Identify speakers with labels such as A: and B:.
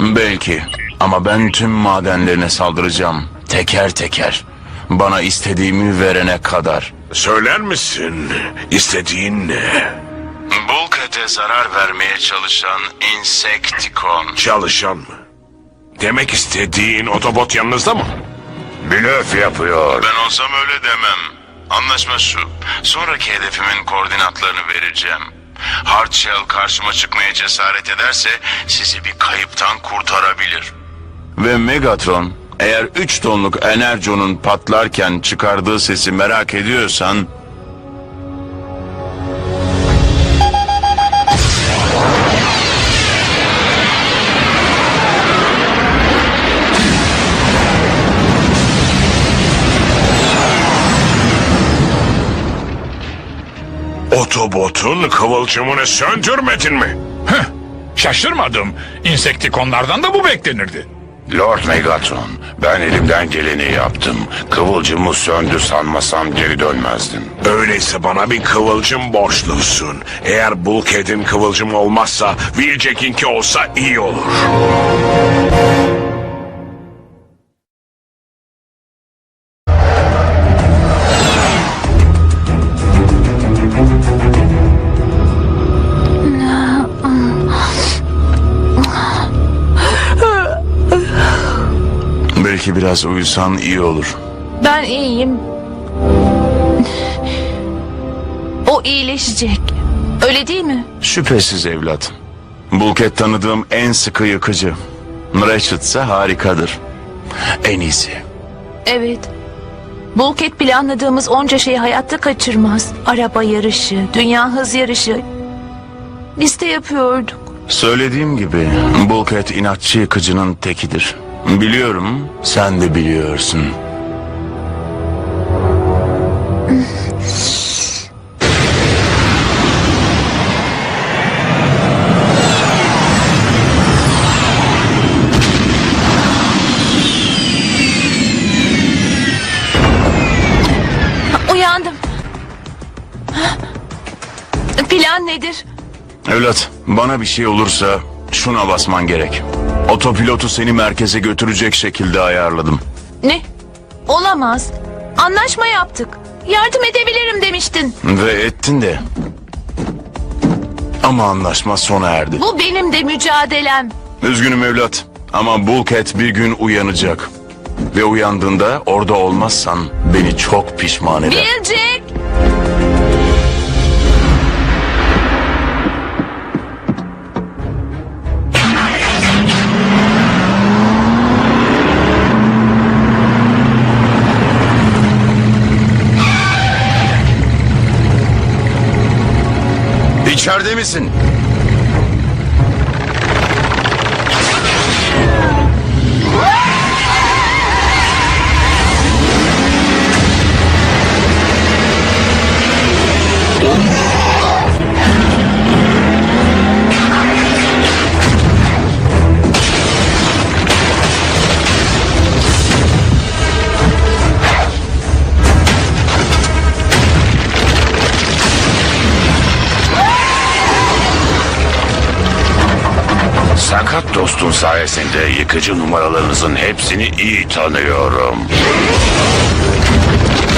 A: Belki. Ama ben tüm madenlerine saldıracağım. Teker teker. Bana istediğimi verene kadar.
B: Söyler misin? İstediğin ne?
A: Bulkhead'e zarar vermeye çalışan Insecticon.
B: Çalışan mı? Demek istediğin Autobot yanınızda mı?
C: Blöf yapıyor.
A: Ben olsam öyle demem. Anlaşma şu. Sonraki hedefimin koordinatlarını vereceğim. Hardshell karşıma çıkmaya cesaret ederse sizi bir kayıptan kurtarabilir. Ve Megatron, eğer 3 tonluk Energon'un patlarken çıkardığı sesi merak ediyorsan...
B: Autobot'un kıvılcımını söndürmedin mi?
D: Şaşırmadım. İnsektikonlardan da bu beklenirdi.
C: Lord Megatron, ben elimden geleni yaptım. Kıvılcımı söndü sanmasam geri dönmezdin.
B: Öyleyse bana bir kıvılcım borçlusun. Eğer Bulkhead'in kıvılcımı olmazsa Wheeljack'inki olsa iyi olur.
A: Belki biraz uyusan iyi olur.
E: Ben iyiyim. O iyileşecek. Öyle değil mi?
A: Şüphesiz evlat. Bulkhead tanıdığım en sıkı yıkıcı. Ratchet ise harikadır. En iyisi.
E: Evet. Bulkhead planladığımız onca şeyi hayatta kaçırmaz. Araba yarışı, dünya hız yarışı. Liste yapıyorduk.
A: Söylediğim gibi Bulkhead inatçı yıkıcının tekidir. Biliyorum, sen de biliyorsun.
E: Uyandım. Plan nedir?
A: Evlat, bana bir şey olursa şuna basman gerek. Otopilotu seni merkeze götürecek şekilde ayarladım.
E: Ne? Olamaz. Anlaşma yaptık. Yardım edebilirim demiştin.
A: Ve ettin de. Ama anlaşma sona erdi.
E: Bu benim de mücadelem.
A: Üzgünüm evlat ama Bulkhead bir gün uyanacak. Ve uyandığında orada olmazsan beni çok pişman eder.
E: Wheeljack!
A: İçeride misin?
C: Sakat dostun sayesinde yıkıcı numaralarınızın hepsini iyi tanıyorum.